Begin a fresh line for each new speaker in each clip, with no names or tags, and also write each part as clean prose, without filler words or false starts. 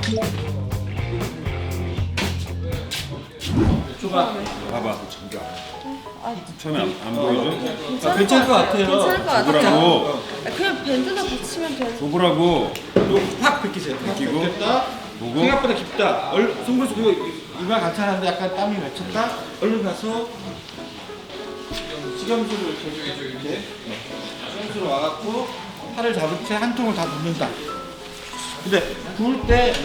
줘봐.
봐봐. 처음에 안 보이죠?
아, 괜찮을 것 같아요.
괜찮을 것 같아요.
줘보라고.
그냥 밴드나 붙이면 돼.
줘보라고.
확 벗기세요.
벗기고.
됐다.
보고.
생각보다 깊다. 송글송 그리고 이마 괜찮은데 약간 땀이 맺혔다. 얼른 가서 식염수를 이렇게 식염수로 와갖고 팔을 잡은 채 한 통을 다 붓는다. 근데 부을 때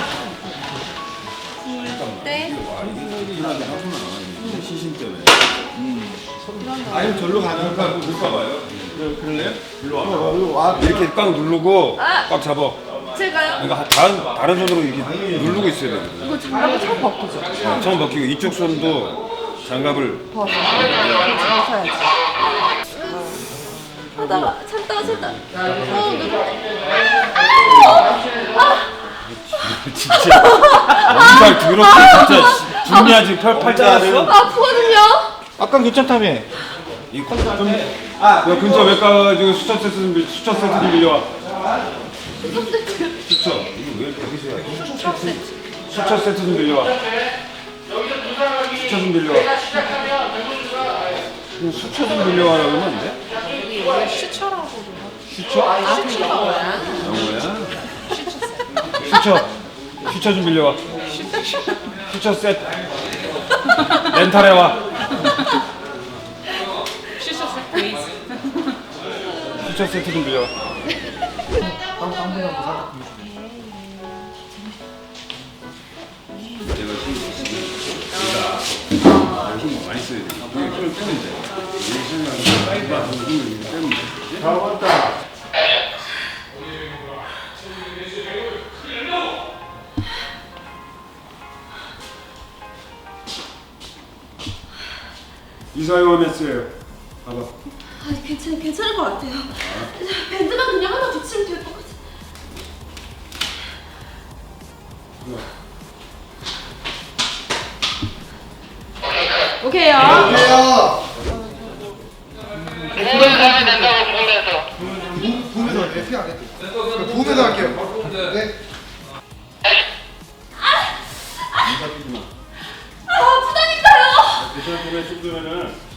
네.
이만하게 하수는 안 하는데 시신 때문에.
아니면 절로 가는 거
못 가봐요.
그럴래요?
일로 와. 이렇게 꽉 누르고 꽉 잡아.
제가요?
그러니까 다른 손으로 이렇게 누르고 있어야 돼.
이거 장갑을 처음 벗기죠?
처음 벗기고 이쪽 손도 장갑을
벗어야지. 하다가 참다가
진짜 정말 더럽게 진짜 중요하지 팔자를.
아프거든요?
아까 괜찮다며.
이 야 근처 외과 지금 수첩 세트 좀 빌려와. 수첩 이거 왜 여기서 해? 수첩 세트 좀 빌려와. 수첩 좀 빌려와. 그냥 수첩 좀 빌려와라 그러면 안 돼?
원래 슈처라고
수첩?
슈처가 뭐야?
영어야? 수첩 좀 빌려와. 수첩 세트 렌탈해 와. 수첩 세트 좀 빌려와. 내가 힘 많이 써야 돼. 힘을 빼면 돼. 이 생각은 힘을 빼면 돼.
다 왔다.
이사용하면서요. 봐봐.
괜찮을 것 같아요. 밴드만 그냥 하나 붙이면 될 것 같아요. 오케이요.
가야 된다고 보내서.
보면서 할게요. 피 안 했대. 보면서 할게요. 네.
아프다니까요.
괜찮은 소리에 쭉 들으면은